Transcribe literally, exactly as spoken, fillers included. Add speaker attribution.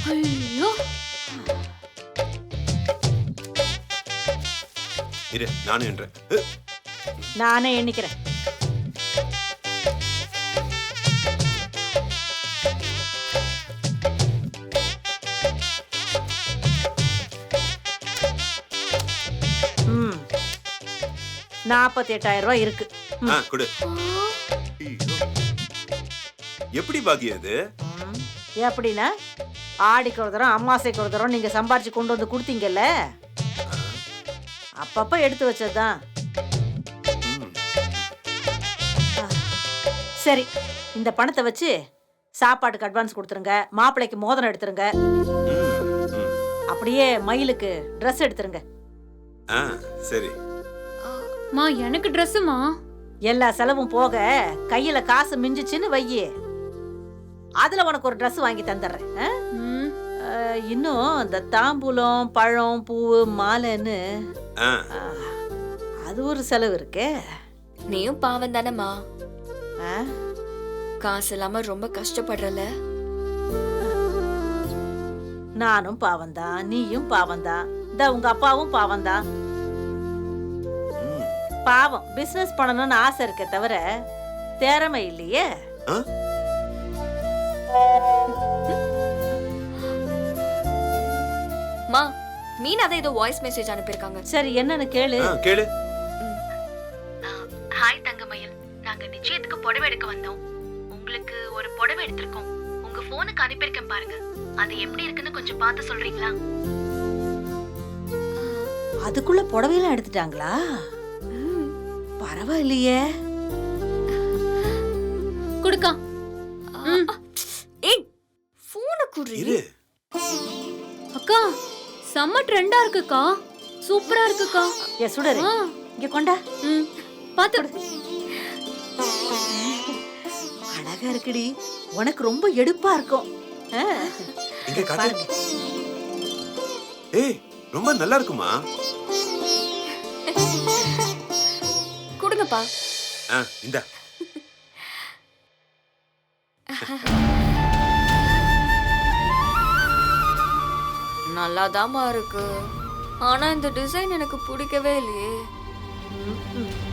Speaker 1: ஐயோ,
Speaker 2: இரு நானும் என்றேன்.
Speaker 3: நானே எண்ணிக்கிறேன். ம் நாற்பத்தி எட்டாயிரம் ரூபாய் இருக்கு.
Speaker 2: ஆ கொடு. எப்படி பாக்கியம் அது?
Speaker 3: ம், எப்படின்னா ஆடிக்கு ஒரு தரம் அம்மாசைக்கு ஒரு தரம் நீங்க சம்பாரிச்சு கொண்டு வந்து கொடுத்தீங்கல்ல, அப்பப்ப எடுத்து வச்சதுதான்.
Speaker 2: ம்.
Speaker 3: சரி, இந்த பணத்தை வச்சு சாப்பாட்டுக்கு அட்வான்ஸ் கொடுத்துருங்க, மாப்பிள்ளைக்கு மோதிரம் எடுத்துருங்க,
Speaker 2: ம், ம்.
Speaker 3: அப்படியே மயிலுக்கு ட்ரெஸ் எடுத்துருங்க.
Speaker 2: ஆ சரி.
Speaker 1: மா எனக்கு ட்ரெஸ்ஸுமா.
Speaker 3: எல்லா செலவும் போக கையில காசு மிஞ்சிச்சுன்னு வையி, அதுல உனக்கு ஒரு ட்ரெஸ் வாங்கி தந்துடுறேன். ஆ?
Speaker 1: ம்,
Speaker 3: அஹ், இன்னும் இந்த தாம்பூலம் பழம் பூ மாலைன்னு
Speaker 2: ஆ
Speaker 3: அஹ், அது ஒரு செலவு இருக்கே.
Speaker 4: நீயும் பாவம் தானம்மா,
Speaker 3: ஆ?
Speaker 4: காசு இல்லாம ரொம்ப கஷ்டப்படுறல.
Speaker 3: நானும் பாவம்தான், நீயும் பாவம்தான், இந்த உங்க அப்பாவும் பாவம்தான்.
Speaker 2: ம்.
Speaker 3: பாவம் பிசினஸ் பண்ணணும்னு ஆசை இருக்கே தவிர திறமை இல்லையே.
Speaker 2: ஆ?
Speaker 4: மா, மீனா தான் ஏதோ வாய்ஸ் மெசேஜ் அனுப்பியிருக்காங்க.
Speaker 3: சரி என்னன்னு கேளு.
Speaker 2: ஆ, கேளு.
Speaker 5: ஹாய் தங்கமயில், நாங்க நிச்சயத்துக்கு புடவை எடுக்க வந்தோம். உங்களுக்கு ஒரு புடவை எடுத்திருக்கோம். உங்க போனுக்கு அனுப்பியிருக்கேன் பாருங்க. அது எப்படி இருக்குன்னு கொஞ்சம் பார்த்து சொல்றீங்களா?
Speaker 3: அதுக்குள்ள புடவையெல்லாம் எடுத்துட்டாங்களா? பரவாயில்லையே.
Speaker 1: குடுக்கா. ம்,
Speaker 4: ஏய், போனை குடு.
Speaker 2: இரு.
Speaker 1: அக்கா செம்ம ட்ரெண்டா இருக்குக்கா, சூப்பரா இருக்குக்கா.
Speaker 3: ஏ சுடரு,
Speaker 1: ஆ,
Speaker 3: இங்க கொண்டா.
Speaker 1: ம், பாத்து.
Speaker 3: அழகா இருக்குடி, உனக்கு ரொம்ப எடுப்பா இருக்கும். ஆ,
Speaker 2: இங்க காட்டு.
Speaker 3: பாருங்க.
Speaker 2: ஏய் ரொம்ப நல்லா இருக்குமா?
Speaker 4: கொடுங்கப்பா.
Speaker 2: ஆ இந்தா.
Speaker 4: நல்லாதாம்மா இருக்கு, ஆனா இந்த டிசைன் எனக்கு பிடிக்கவே இல்லையே.
Speaker 3: ம், ம்.